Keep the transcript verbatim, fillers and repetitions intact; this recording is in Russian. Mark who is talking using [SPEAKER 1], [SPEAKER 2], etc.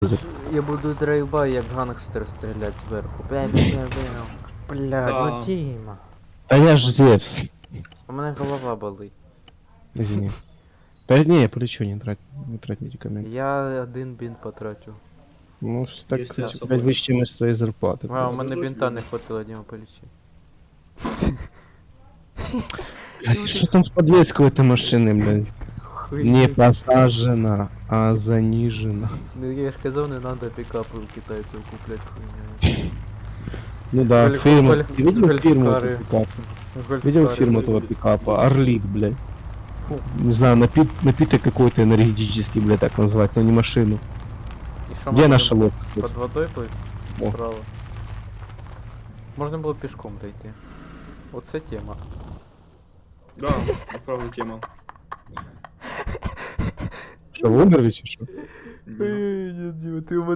[SPEAKER 1] Я буду драйвбай, як гангстер стріляти зверху. Бля, бля, бля, бля. Бля,
[SPEAKER 2] Да.
[SPEAKER 1] ну Діма.
[SPEAKER 3] А я ж Зевс.
[SPEAKER 1] У мене голова болить.
[SPEAKER 3] Извини. Да не, я полечу, не трать, не трать медикаменты.
[SPEAKER 1] Я один бінт потратив.
[SPEAKER 3] Ну, так,
[SPEAKER 2] Если я с
[SPEAKER 3] блядь,
[SPEAKER 2] собой.
[SPEAKER 3] выше из своей зарплаты.
[SPEAKER 1] А, у
[SPEAKER 3] блядь.
[SPEAKER 1] мене
[SPEAKER 2] Подожди,
[SPEAKER 1] бінта
[SPEAKER 2] блін.
[SPEAKER 1] не хватило, Діма, полічи.
[SPEAKER 3] Блядь, что там с подвеской у этой машины, блядь? Не посажена, а занижена.
[SPEAKER 1] Ну я ж казав, не надо пікапи у китайців купляти хуйня.
[SPEAKER 3] Ну да,
[SPEAKER 1] Гольф-
[SPEAKER 3] фирма.
[SPEAKER 1] гольф-
[SPEAKER 3] Ты видел фирму
[SPEAKER 1] гольфкары.
[SPEAKER 3] этого пикапа?
[SPEAKER 1] Гольф
[SPEAKER 3] Видел
[SPEAKER 1] кари.
[SPEAKER 3] фирму этого пикапа? Орлик, блядь.
[SPEAKER 1] Фу.
[SPEAKER 3] Не знаю, напит, напиток какой-то энергетический, блядь, так назвать, но не машину.
[SPEAKER 1] І що,
[SPEAKER 3] Где
[SPEAKER 1] можна
[SPEAKER 3] наша лодка?
[SPEAKER 1] Под водой плыть?
[SPEAKER 3] О.
[SPEAKER 1] Справа. Можна було пішком дойти. Оце тема.
[SPEAKER 2] Да, правда тема.
[SPEAKER 3] Что, в Умервиче, что?
[SPEAKER 2] Да.
[SPEAKER 1] Ой, Діма, ти у мене